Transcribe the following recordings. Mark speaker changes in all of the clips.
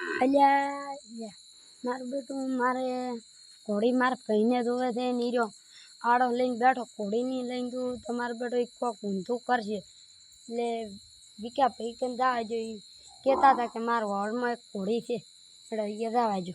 Speaker 1: અલ્યા મારું બેટું મારે ઘોડી મારે ભાઈને જોવે છે નીરો આડો લઈને બેઠો ઘોડીની લઈને તું તમારો બેટો એક કોક ઊંધું કરશે એટલે વિકા ભાઈ કે જવા જો એ કહેતા હતા કે મારા હોળમાં એક ઘોડી છે એટલે એ જવા જો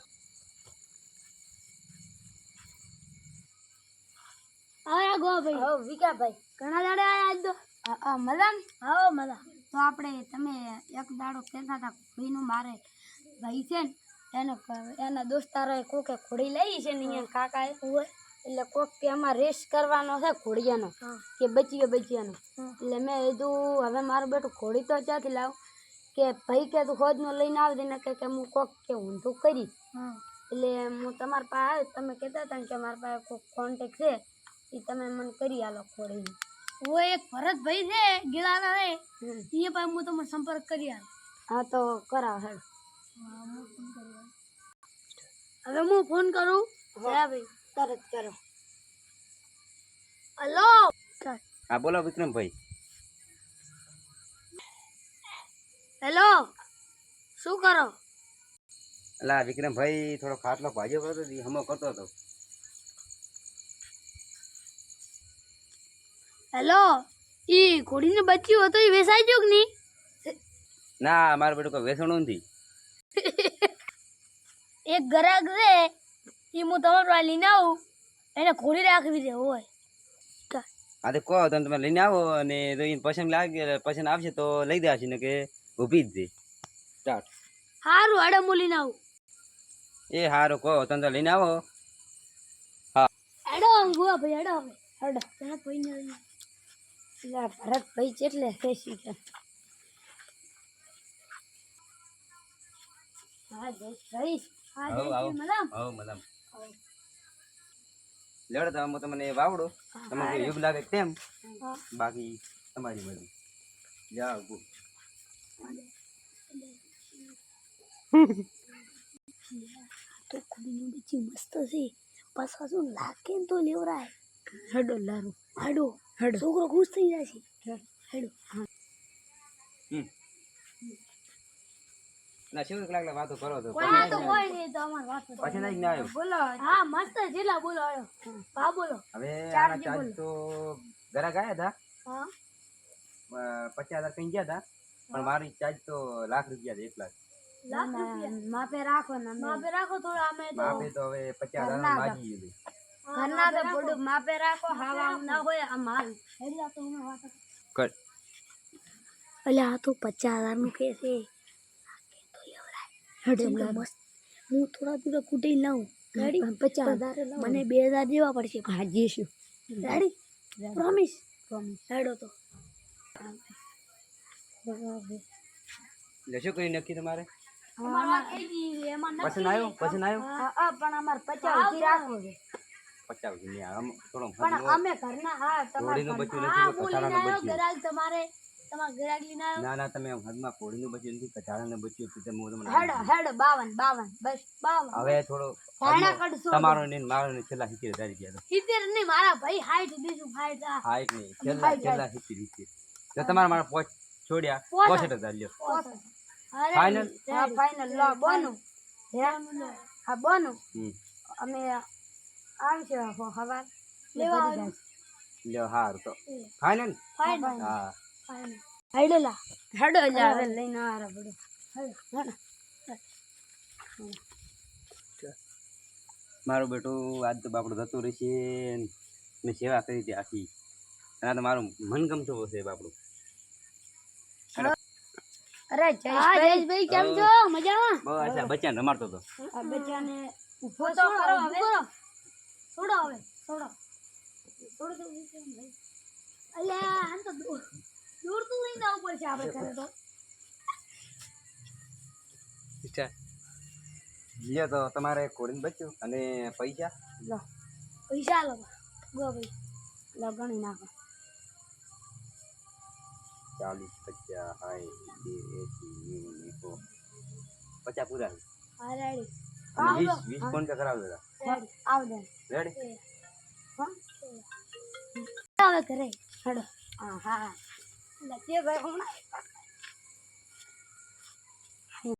Speaker 2: આયા ગો ભાઈ
Speaker 1: હો વિકા ભાઈ
Speaker 2: ઘણા દાડા આયા આજ તો
Speaker 1: મજા
Speaker 2: હા મજા
Speaker 1: તો આપણે તમે એક દાડો કહેતા હતા ઘોડીનું મારે ભાઈ છે ને એના દોસ્તારોએ કોકે ઘોડી લઈ છે ને અહીંયા કાકાએ એટલે કોક કે આમાં રેસ કરવાનો છે ઘોડિયાનો કે બચિયાનો એટલે મેં કીધું હવે મારું બેટું ઘોડી તો ક્યાંથી લાવ કે ભાઈ કે તું ખોજનો લઈને આવી દે ને કે હું કોક કે ઊંધું કરી એટલે હું તમારા પાસે આવ્યો તમે કહેતા હતા કે મારા પાસે કોક કોન્ટેક છે એ તમે મને કરી આલો ઘોડીનું
Speaker 2: ઓ એક ભરતભાઈ છે ગિલાના રે એ પાસે હું તમને સંપર્ક કરી આલ
Speaker 1: હા તો કરાવ હેડ
Speaker 2: હવે હું ફોન કરું
Speaker 1: હા ભાઈ તરત કરો
Speaker 2: હલો
Speaker 3: હા બોલો વિક્રમભાઈ.
Speaker 2: હેલો શું કરો
Speaker 3: અલા વિક્રમભાઈ થોડો ખાટલો ભાજ્યો કરતો હમો કરતો હતો.
Speaker 2: હેલો ઈ ઘોડીને બચ્યું હતું એ વેસાઈ ગયું કે નહીં
Speaker 3: ના મારું બેટું કોઈ વેસણું નથી.
Speaker 2: એક ગ્રાહક છે એ હું તમારો આ લઈને આવું એને ઘોડી રાખવી છે હોય
Speaker 3: હા તો કહો તમે લઈને આવો અને જો એને પસંદ લાગે પસંદ આવશે તો લઈ દેવાશે ને કે ઊભી જ દે સ્ટાર્ટ.
Speaker 2: સારું હાડે હું લઈને આવું
Speaker 3: એ સારું કહો તમે તો લઈને આવો.
Speaker 2: હેડો ગોવા ભાઈ હેડો હવે હેડો ત્યાં કોઈ નહીં
Speaker 1: એટલે ભરતભાઈ કેટલે ફેસી છે હા જઈશ
Speaker 2: હા
Speaker 3: આવો, આવો.
Speaker 2: મેડમ
Speaker 3: હવ મતલબ લેવડો તો હું તમને વાવડો તમને જે યોગ લાગે તેમ બાકી તમારી મરજી. જાઓ ગો.
Speaker 2: તો ઘોડીનું બચ્યું મસ્ત છે પાછા શું લાગે ને તો લેવરાય
Speaker 1: હેડો લારું
Speaker 2: હેડો
Speaker 1: હેડો
Speaker 2: છોકરો ખુશ થઈ જાય છે હેડો
Speaker 3: ના શું કલાક વાતો કરો તો
Speaker 2: કોઈ તો કોઈ નહીં તો અમાર વાત
Speaker 3: પછી નહીં ના આવ્યો.
Speaker 1: બોલો
Speaker 2: હા મસ્ત જેલા બોલો હેડો હા બોલો
Speaker 3: હવે આના ચાર્જ તો ઘરા ગયા હતા
Speaker 2: હા
Speaker 3: 50,000 કઈ ગયા હતા પણ મારી ચાર્જ તો લાખ રૂપિયા છે 1 લાખ.
Speaker 2: લાખ રૂપિયા
Speaker 1: માપે રાખો ને
Speaker 2: માપે રાખો થોડા અમે તો
Speaker 3: માપે તો હવે 50,000 માગી લીધું.
Speaker 1: ઘરના તો થોડું માપે રાખો હવા ના હોય આ માલ
Speaker 2: હેડલા તો અમે વાત
Speaker 3: કર
Speaker 2: અલ્યા આ તો 50,000 નું કે છે મસ્ત હું થોડા થોડા કુટી લાવું રેડી
Speaker 1: 50,000
Speaker 2: મને 2,000 દેવા પડશે
Speaker 1: હા જીશું
Speaker 2: રેડી પ્રોમિસ હેડો તો
Speaker 3: એટલે શું કરી નક્કી તમારે
Speaker 2: એમાં
Speaker 3: પસંદ આવ્યો પસંદ આવ્યો
Speaker 1: હા પણ અમાર 50 ઉધી રાખો છે
Speaker 3: 50 ની આમ થોડો
Speaker 1: પણ અમે ઘરના હા
Speaker 3: ઘોડીનું
Speaker 1: તમારે
Speaker 3: બચ્યું
Speaker 2: હા
Speaker 3: નથી
Speaker 2: બોલીને
Speaker 3: કચાડાનું
Speaker 2: આવ્યો
Speaker 3: બચ્યું.
Speaker 2: ગરાગ તમારે તમારા ગરાગ લઈને આવ્યો
Speaker 3: ના ના તમે હદમાં ઘોડીનું બચ્યું નથી કચાડાનું બચ્યું તો તમે હું તમને
Speaker 1: હેડો હેડો 52 બસ 52
Speaker 3: હવે થોડો
Speaker 1: ભાણા કડસો
Speaker 3: તમારો ને મારો ને છેલ્લા 70,000 ગયા
Speaker 2: સિત્તેર નહીં મારા ભાઈ હાઈટ દીધું હાઈટ આ
Speaker 3: હાઈટ નહીં છેલ્લા 70 તો તમારા મારા પોચ છોડ્યા 65,000 લ્યો ફાઇનલ.
Speaker 1: હા ફાઇનલ લો બોનું હા બોનું અમે આવશે હવાર
Speaker 2: લેવા
Speaker 3: લ્યો હાર તો ફાઇનલ.
Speaker 2: ફાઈનલ
Speaker 3: હા
Speaker 2: હેડો લા
Speaker 1: હેડો જા હવે લઈને આરા બડો
Speaker 3: મારું બેટું આજ તો બાપડું જતું રહેશે મેં સેવા કરી હતી આખી અને આ તો મારું મનગમતું છે બાપડું.
Speaker 1: અરે
Speaker 2: હા જયેશભાઈ કેમ છો મજામાં
Speaker 3: બસ આ બચ્ચાને રમાડતો હતો.
Speaker 1: આ બચ્ચાને
Speaker 2: ઉભો તો કરો હવે છોડો હવે છોડો છોડો અલ્યા આમ તો દૂર તો લઈને આવવું પડશે આપણે કરે તો
Speaker 3: લ્યો તો તમારે ઘોડીને બચ્યું અને પૈસા
Speaker 1: લો
Speaker 2: પૈસા લો ગો ભાઈ
Speaker 1: લો ગણી નાખો
Speaker 3: 40 50 60 80 50 પૂરા છે.
Speaker 2: હા રેડી
Speaker 3: અને 20 ફોન પે કરાવી દેતા
Speaker 1: આવ દે
Speaker 3: રેડી.
Speaker 2: હવે કરે
Speaker 1: હેડો હા હા
Speaker 2: લખીએ ભાઈ હમણાં